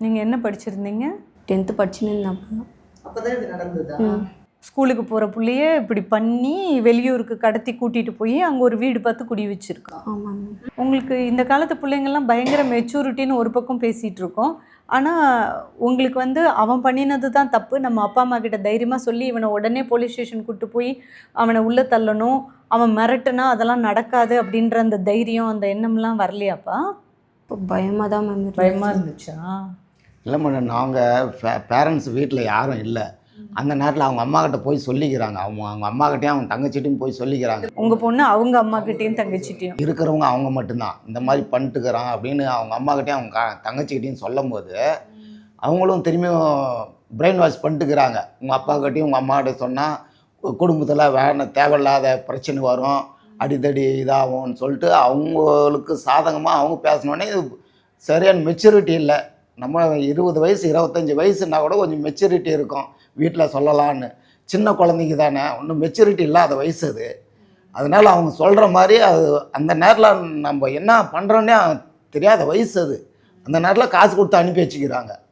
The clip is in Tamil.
நீங்கள் என்ன படிச்சிருந்தீங்க? 10th படிச்சுன்னு இருந்தேன். அப்போ தான் இது நடந்ததா? ஸ்கூலுக்கு போகிற புள்ளையே இப்படி பண்ணி வெளியூருக்கு கடத்தி கூட்டிகிட்டு போய் அங்கே ஒரு வீடு பார்த்து குடி வச்சுருக்கான். ஆமாங்க. உங்களுக்கு இந்த காலத்து பிள்ளைங்கள்லாம் பயங்கர மெச்சூரிட்டின்னு ஒரு பக்கம் பேசிகிட்டு இருக்கோம். ஆனால் உங்களுக்கு வந்து அவன் பண்ணினது தான் தப்பு, நம்ம அப்பா அம்மா கிட்ட தைரியமாக சொல்லி இவனை உடனே போலீஸ் ஸ்டேஷன் கூப்பிட்டு போய் அவனை உள்ளே தள்ளணும், அவன் மிரட்டுனா அதெல்லாம் நடக்காது அப்படின்ற அந்த தைரியம் அந்த எண்ணம்லாம் வரலையாப்பா? இப்போ பயமாக தான் மேம் இருந்துச்சு. பயமாக இருந்துச்சா? இல்லை மேடம், நாங்கள் பேரண்ட்ஸ் வீட்டில் யாரும் இல்லை. அந்த நேரத்தில் அவங்க அம்மா கிட்ட போய் சொல்லிக்கிறாங்க. அவங்க அம்மா கிட்டேயும் அவங்க தங்கச்சிட்டையும் போய் சொல்லிக்கிறாங்க. உங்கள் பொண்ணு அவங்க அம்மா கிட்டேயும் தங்கச்சிட்டையும் இருக்கிறவங்க அவங்க மட்டும்தான் இந்த மாதிரி பண்ணிட்டுக்கிறான் அப்படின்னு அவங்க அம்மா கிட்டேயும் அவங்க தங்கச்சிக்கிட்டையும் சொல்லும் போது அவங்களும் திரும்பியும் பிரெயின் வாஷ் பண்ணிட்டுக்கிறாங்க. உங்கள் அப்பா கிட்டையும் உங்கள் அம்மா கிட்ட சொன்னால் குடும்பத்தில் வேறு தேவையில்லாத பிரச்சனை வரும், அடித்தடி இதாகும்னு சொல்லிட்டு அவங்களுக்கு சாதகமாக அவங்க பேசினோடனே சரியான மெச்சூரிட்டி இல்லை. நம்ம 20 வயசு 25 வயசுனா கூட கொஞ்சம் மெச்சூரிட்டி இருக்கும், வீட்டில் சொல்லலான்னு. சின்ன குழந்தைங்க தானே, ஒன்றும் மெச்சூரிட்டி இல்லாத வயசு அது. அதனால் அவங்க சொல்கிற மாதிரி அது அந்த நேரத்தில் நம்ம என்ன பண்ணுறோன்னே தெரியாத வயசு அது. அந்த நேரத்தில் காசு கொடுத்து அனுப்பி வச்சுக்கிறாங்க.